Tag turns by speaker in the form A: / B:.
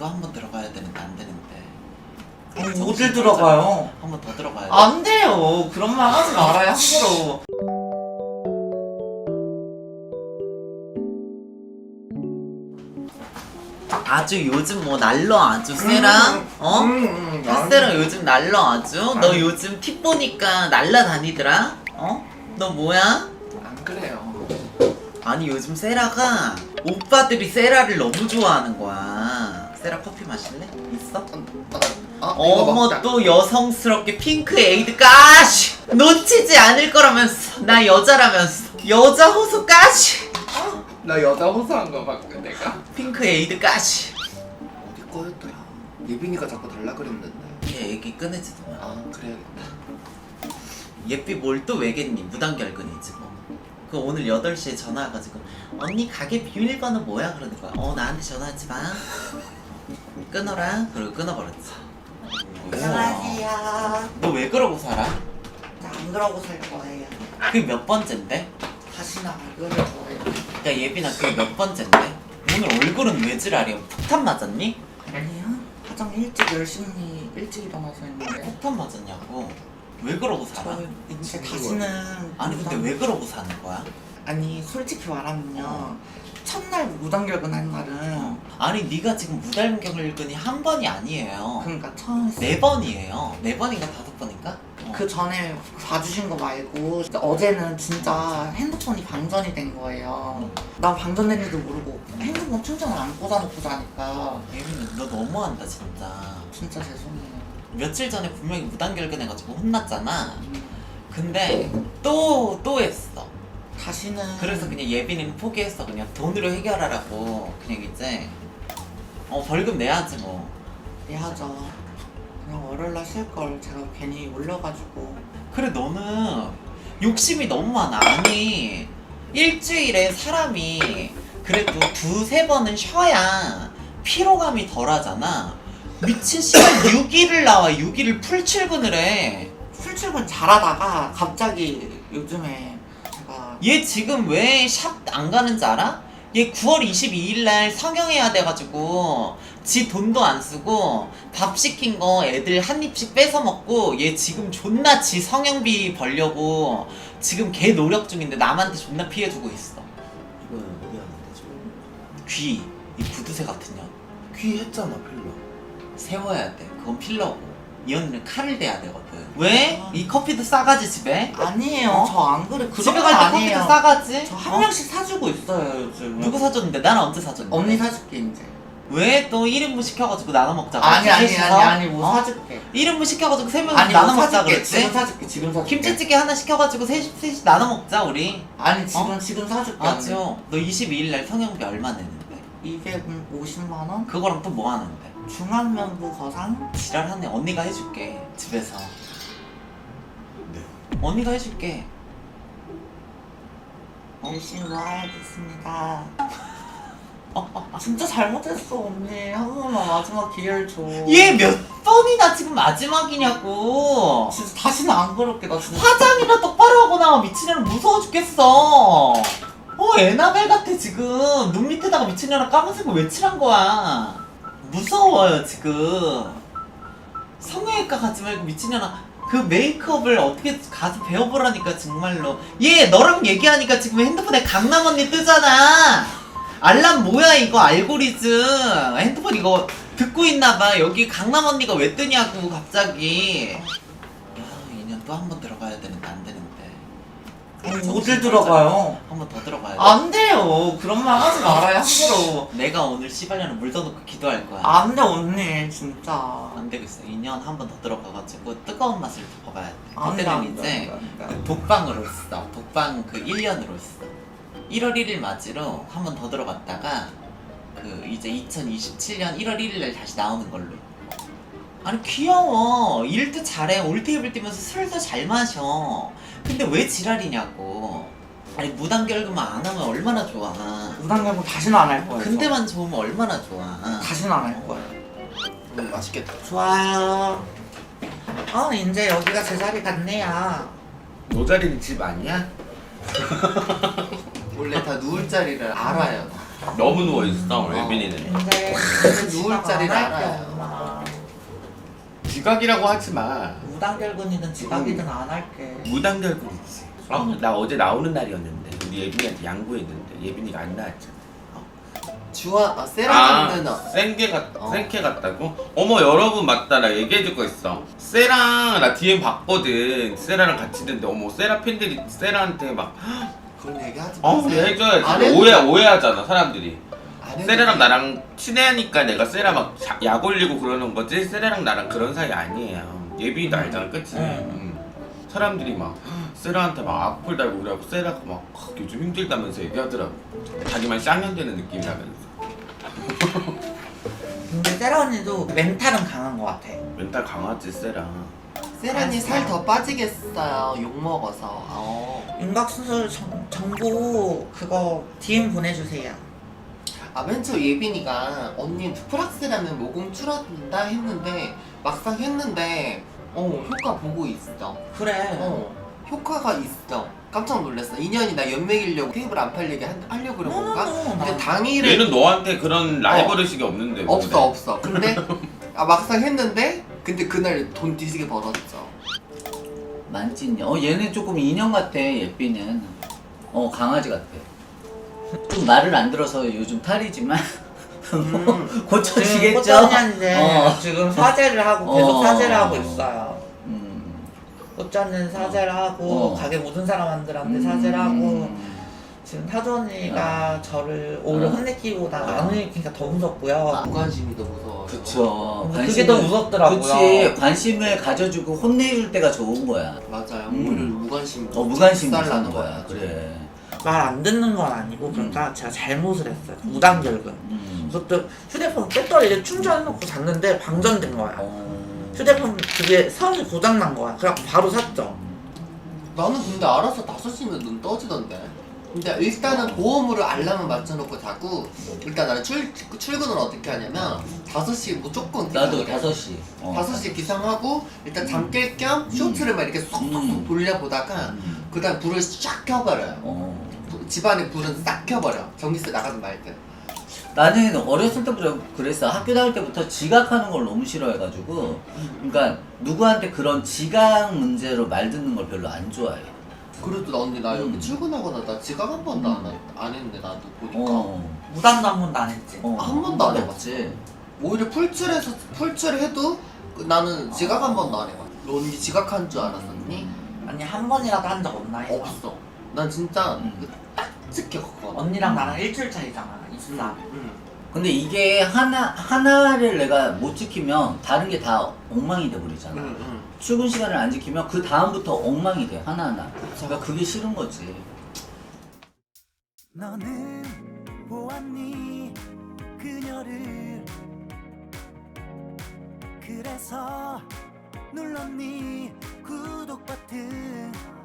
A: 또 한 번 들어가야 되는데 안 되는데.
B: 어딜 들어가요?
A: 한 번 더 들어가야 돼.
B: 안 돼요. 그런 말 하지 말아요, 함부로.
A: 아주 요즘 뭐 날러 아주 세랑 핫세랑 요즘 날러 아주. 너 요즘 팁 보니까 날라다니더라. 너 뭐야?
B: 안 그래요.
A: 아니 요즘 세라가 오빠들이 세라를 너무 좋아하는 거야. 세라 커피 마실래? 있어? 어머 또 여성스럽게 핑크 에이드 까시 놓치지 않을 거라면서. 나 여자라면서 여자 호수 까시
B: 나 여자 호소한 거 봤고 내가.
A: 핑크 에이드 까시.
B: 어디 거였더라? 예빈이가 자꾸 달라 그랬는데.
A: 얘 얘기 꺼내지도 마.
B: 아 그래야겠다.
A: 예삐 뭘 또 왜겠니? 무단결근이지 뭐. 그 오늘 8시에 전화 와가지고 언니 가게 비밀번호 뭐야? 그러는 거야. 나한테 전화하지 마. 끊어라. 그리고 끊어버렸지.
B: 안녕하세요.
A: 너 왜 그러고 살아?
B: 안 그러고 살 거예요.
A: 그게 몇 번째인데?
B: 다시는 안 그럴 거예요.
A: 야 예빈아 그게 몇 번째인데? 오늘 얼굴은 왜 지랄이야? 폭탄 맞았니?
B: 아니요. 화장 일찍 열심히 일찍 일어나서 했는데.
A: 폭탄 맞았냐고. 왜 그러고 살아?
B: 저 이제 다시는.
A: 아니 근데 왜 그러고 사는 거야?
B: 아니 솔직히 말하면요. 첫날 무단결근 한 날은
A: 아니 네가 지금 무단결근이 한 번이 아니에요.
B: 그러니까 처음 했어요.
A: 4번이에요. 4번인가 5번인가?
B: 그 전에 봐주신 거 말고 어제는 진짜 핸드폰이 방전이 된 거예요. 난 방전된지도 모르고 핸드폰 충전을 안 꽂아놓고 자니까
A: 예민이 너 너무한다 진짜.
B: 진짜 죄송해요.
A: 며칠 전에 분명히 무단결근해가지고 혼났잖아. 근데 또 했어.
B: 다시는.
A: 그래서 그냥 예빈이는 포기했어. 그냥 돈으로 해결하라고. 그냥 이제 벌금 내야지 뭐.
B: 내야죠. 그냥 월요일날 쉴 걸 제가 괜히 올려가지고.
A: 그래 너는 욕심이 너무 많아. 아니 일주일에 사람이 그래도 2-3번은 쉬어야 피로감이 덜하잖아. 미친 시간 6일을 나와. 6일을 풀 출근을 해.
B: 출출근 잘하다가 갑자기 요즘에 제가
A: 얘 지금 왜 샵 안 가는지 알아? 얘 9월 22일날 성형해야 돼가지고 지 돈도 안 쓰고 밥 시킨 거 애들 한 입씩 뺏어 먹고 얘 지금 존나 지 성형비 벌려고 지금 개 노력 중인데 남한테 존나 피해주고 있어.
C: 이거는 어디 하는데 지금?
A: 귀, 이 구두쇠 같은 년
C: 귀 했잖아 필러.
A: 세워야 돼. 그건 필러고 이 언니는 칼을 대야 되거든. 왜? 이 커피도 싸가지 집에?
B: 아니에요. 저 안 그래. 그런
A: 집에
B: 건
A: 갈 때
B: 아니에요.
A: 커피도 싸가지?
B: 저 한 명씩 사주고 있어요 요즘.
A: 누구 사줬는데? 나는 언제 사줬는데?
B: 언니 사줄게 이제.
A: 왜 또 1인분 시켜가지고 나눠 먹자고?
B: 아니 뭐 사줄게.
A: 1인분 시켜가지고 3명이서
B: 아니
A: 나눠
B: 뭐
A: 먹자
B: 사줄게.
A: 그랬지?
B: 지금 사줄게. 지금 사줄게.
A: 김치찌개 하나 시켜가지고 셋이 나눠 먹자 우리.
B: 아니 지금 사줄게.
A: 맞죠? 너 22일날 성형비 얼마 내는데?
B: 250만 원?
A: 그거랑 또 뭐 하는데?
B: 중앙면부 거상?
A: 지랄하네. 언니가 해줄게 집에서.
C: 네.
A: 언니가 해줄게.
B: 열심히 모아야겠습니다. 진짜 잘못했어 언니. 한 번만 마지막 기회를 줘.
A: 얘 몇 번이나 지금 마지막이냐고.
B: 진짜 다시는 안 그럴게 나 진짜.
A: 화장이나 똑바로 하고 나와. 미친년은 무서워 죽겠어. 에나벨 같아 지금. 눈 밑에다가 미친년아 까만색을 왜 칠한 거야. 무서워요 지금. 성형외과 가지 말고 미친년아 그 메이크업을 어떻게 가서 배워보라니까 정말로. 얘 너랑 얘기하니까 지금 핸드폰에 강남 언니 뜨잖아. 알람 뭐야 이거 알고리즘. 핸드폰 이거 듣고 있나봐. 여기 강남 언니가 왜 뜨냐고 갑자기. 야 얘는 또 한 번 들어가야 되는데 안 되는데.
B: 어딜 들어가요?
A: 한 번 더 들어가야 돼.
B: 안 돼요. 그런 말 하지 말아요 함부로.
A: 내가 오늘 씨발년을 물 떠놓고 기도할 거야.
B: 안 돼 언니 진짜.
A: 안 되겠어. 2년 한 번 더 들어가가지고 뜨거운 맛을 겪어봐야 돼.
B: 안 돼,
A: 그때는
B: 안 돼,
A: 이제
B: 안 돼, 안 돼.
A: 그 독방으로 있어. 독방 그 1년으로 있어. 1월 1일 맞이로 한 번 더 들어갔다가 그 이제 2027년 1월 1일날 다시 나오는 걸로. 아니 귀여워. 일도 잘해. 올테이블 뛰면서 술도 잘 마셔. 근데 왜 지랄이냐고. 아니 무단결근만 안 하면 얼마나 좋아.
B: 무단결근 다시는 안 할 거예요.
A: 근데만 좋으면 얼마나 좋아.
B: 다시는 안 할 거예요.
C: 맛있겠다.
B: 좋아요. 이제 여기가 제 자리 같네요.
C: 너 자리는 집 아니야?
A: 원래 다 누울 자리를 알아요.
D: 너무 누워 있어 예빈이는.
B: 근데
C: 누울 자리를 알아요.
B: 엄마.
D: 지각이라고 하지 마.
B: 무단결근이든 지각이든 안 할게.
D: 무단결근이지. 나 어제 나오는 날이었는데 우리 예빈이한테 양보했는데 예빈이가 안 나왔잖아.
C: 세라는
D: 생케 같다고? 어머 여러분 맞다 나 얘기해줄 거 있어. 세랑 나 DM 봤거든. 세라랑 같이 있는데 어머 세라 팬들이 세라한테 막
C: 그런 얘기 하지 마세요.
D: 해줘야지.
C: 안 해도
D: 오해하잖아 사람들이.
C: 안 해도
D: 세라랑
C: 돼.
D: 나랑 친해하니까 내가 세라 막 약 올리고 그러는 거지. 세라랑 나랑 그런 사이 아니에요. 예빈이도 알잖아, 그치? 사람들이 막 세라한테 막 악플 달고 그래갖고 세라가 막 요즘 힘들다면서 얘기하더라고. 자기만 쌍년되는 느낌이라면서.
B: 근데 세라 언니도 멘탈은 강한 것 같아.
D: 멘탈 강하지 세라.
C: 세라니 살 더 빠지겠어요. 욕 먹어서.
B: 윤곽수술 정보 그거 DM 보내주세요.
C: 맨 처음 예빈이가 언니 프락스라는 모공 줄어든다 했는데 막상 했는데 효과 보고 있어.
B: 그래.
C: 효과가 있어. 깜짝 놀랐어. 인연이 나 연맥이려고 테이블 안 팔리게 하려고 그런 건가? 근데
B: 나
C: 당일에
D: 얘는 너한테 그런 라이벌의식이 없는데.
C: 없어. 근데 막상 했는데 근데 그날 돈 뒤지게 벌었죠.
E: 만찢냐? 얘는 조금 인형 같아. 예삐는 강아지 같아. 좀 말을 안 들어서 요즘 탈이지만 고쳐지겠죠?
B: 꽃전이한테 지금 사죄를 하고 계속 사죄를 하고 있어요. 꽃전은 사죄를 하고 가게 모든 사람들한테 사죄를 하고 지금 타조 언니가 저를 오히려 혼내키보다 안 혼내키니까 더 무섭고요.
C: 무관심이 더 무서워요.
E: 그쵸.
B: 그게 더 무섭더라고요.
E: 그치. 관심을 가져주고 혼내줄 때가 좋은 거야.
C: 맞아요. 오히려 무관심.
E: 무관심이
C: 나는
E: 좋은 거야. 그래.
B: 말 안 듣는 건 아니고 그러니까 제가 잘못을 했어요. 무단결근. 그것도 휴대폰 배터리를 충전해놓고 잤는데 방전된 거야. 휴대폰 그게 선이 고장난 거야. 그래서 바로 샀죠.
C: 나는 근데 알아서 5시면 눈 떠지던데. 근데 일단은 보험으로 알람을 맞춰놓고 자고 일단 나는 출근을 어떻게 하냐면 5시에 무조건
E: 나도
C: 기상을 해.
E: 5시.
C: 5시에 기상하고 일단 잠 깰 겸 쇼츠를 막 이렇게 쏙쏙쏙 돌려보다가 그 다음 불을 쫙 켜버려요. 집안에 불은 싹 켜버려. 전기세 나가든 말든.
E: 나는 어렸을 때부터 그랬어. 학교 다닐 때부터 지각하는 걸 너무 싫어해가지고 그러니까 누구한테 그런 지각 문제로 말 듣는 걸 별로 안 좋아해.
C: 그래도 나 언니 나 여기 출근하거나 나 지각 한 번도 안 했는데 나도 보니까
B: 무단도 한 번도 안 했지.
C: 한 번도 안 해봤지. 오히려 풀칠해도 나는 지각 한 번도 안 해봤어. 너 언니 지각한 줄 알았었니?
B: 아니 한 번이라도 한 적 없나 해서.
C: 없어. 난 진짜 딱 지켰거든.
B: 언니랑 나랑 일주일 차이잖아. 24.
E: 근데 이게 하나를 내가 못 지키면 다른 게 다 엉망이 돼버리잖아. 출근 시간을 안 지키면 그 다음부터 엉망이 돼 하나하나. 그러니까 그게 싫은 거지.
F: 너는 보았니 그녀를 그래서 눌렀니 구독 버튼